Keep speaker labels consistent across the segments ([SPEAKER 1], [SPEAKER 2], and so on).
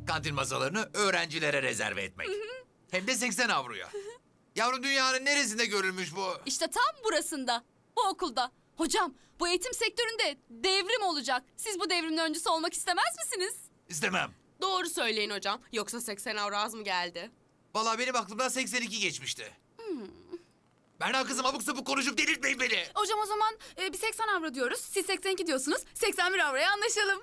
[SPEAKER 1] Kantin masalarını öğrencilere rezerve etmek. Hem de 80 avroya. Yavrum dünyanın neresinde görülmüş bu?
[SPEAKER 2] İşte tam burasında, bu okulda. Hocam, bu eğitim sektöründe devrim olacak. Siz bu devrimin öncüsü olmak istemez misiniz?
[SPEAKER 1] İstemem.
[SPEAKER 3] Doğru söyleyin hocam. Yoksa 80 avro az mı geldi?
[SPEAKER 1] Vallahi benim aklımdan 82 geçmişti. Berna kızım abuk sabuk konuşup delirtmeyin beni.
[SPEAKER 4] Hocam o zaman bir 80 avro diyoruz. Siz 82 diyorsunuz. 81 avroya anlaşalım.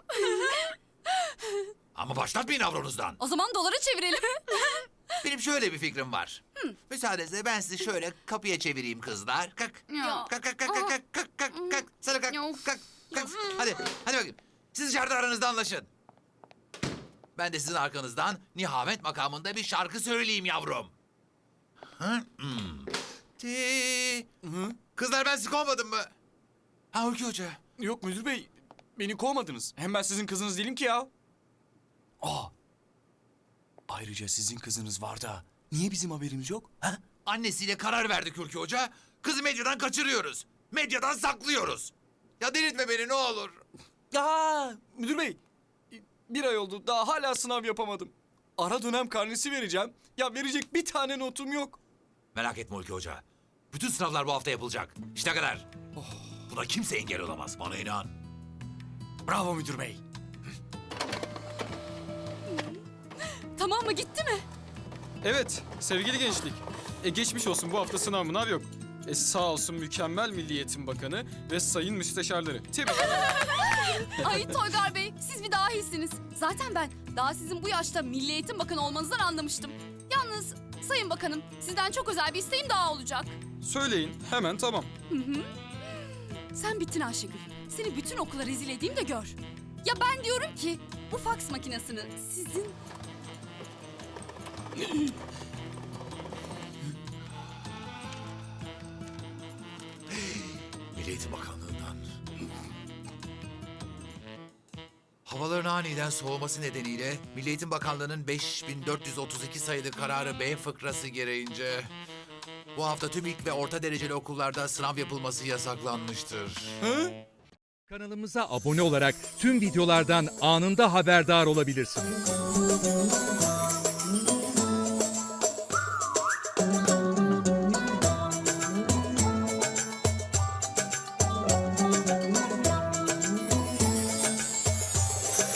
[SPEAKER 1] Ama başlatmayın avronuzdan.
[SPEAKER 2] O zaman dolara çevirelim.
[SPEAKER 1] Benim şöyle bir fikrim var. Müsaadenizle ben sizi şöyle kapıya çevireyim kızlar. Kalk.
[SPEAKER 4] Ya.
[SPEAKER 1] Kalk kalk kalk kalk kalk kalk kalk. Sana kalk
[SPEAKER 4] Of.
[SPEAKER 1] kalk kalk. Hadi bakayım. Siz dışarıda aranızda anlaşın. Ben de sizin arkanızdan Nihamet makamında bir şarkı söyleyeyim yavrum. Hı? Kızlar ben sizi kovmadım mı? Ha Hulki Hoca.
[SPEAKER 5] Yok müdür bey, beni kovmadınız. Hem ben sizin kızınız değilim ki ya. Ayrıca sizin kızınız var da niye bizim haberimiz yok? Ha?
[SPEAKER 1] Annesiyle karar verdik Hulki Hoca. Kızı medyadan kaçırıyoruz. Medyadan saklıyoruz. Ya delirtme beni ne olur.
[SPEAKER 5] Ya müdür bey, bir ay oldu daha hala sınav yapamadım. Ara dönem karnesi vereceğim. Ya verecek bir tane notum yok.
[SPEAKER 1] Merak etme Hulki Hoca. Bütün sınavlar bu hafta yapılacak. İşte kadar. Buna kimse engel olamaz. Bana inan.
[SPEAKER 5] Bravo müdür bey.
[SPEAKER 2] Tamam mı, gitti mi?
[SPEAKER 6] Evet, sevgili gençlik. Geçmiş olsun, bu hafta sınav mınav yok. Sağ olsun mükemmel Milli Eğitim Bakanı ve sayın müsteşarları. Tebrik ederim.
[SPEAKER 2] Ay Toygar Bey, siz bir dahisiniz. Zaten ben daha sizin bu yaşta Milli Eğitim Bakanı olmanızdan anlamıştım. Yalnız Sayın Bakanım, sizden çok özel bir isteğim daha olacak.
[SPEAKER 6] Söyleyin, hemen tamam.
[SPEAKER 2] Sen bittin Ayşegül. Seni bütün okula rezil edeyim de gör. Ya ben diyorum ki bu faks makinesini sizin...
[SPEAKER 1] Milli Eğitim Bakanlığı'ndan. Havaların aniden soğuması nedeniyle Milli Eğitim Bakanlığı'nın 5432 sayılı kararı B fıkrası gereğince bu hafta tüm ilk ve orta dereceli okullarda sınav yapılması yasaklanmıştır.
[SPEAKER 7] Kanalımıza abone olarak tüm videolardan anında haberdar olabilirsiniz.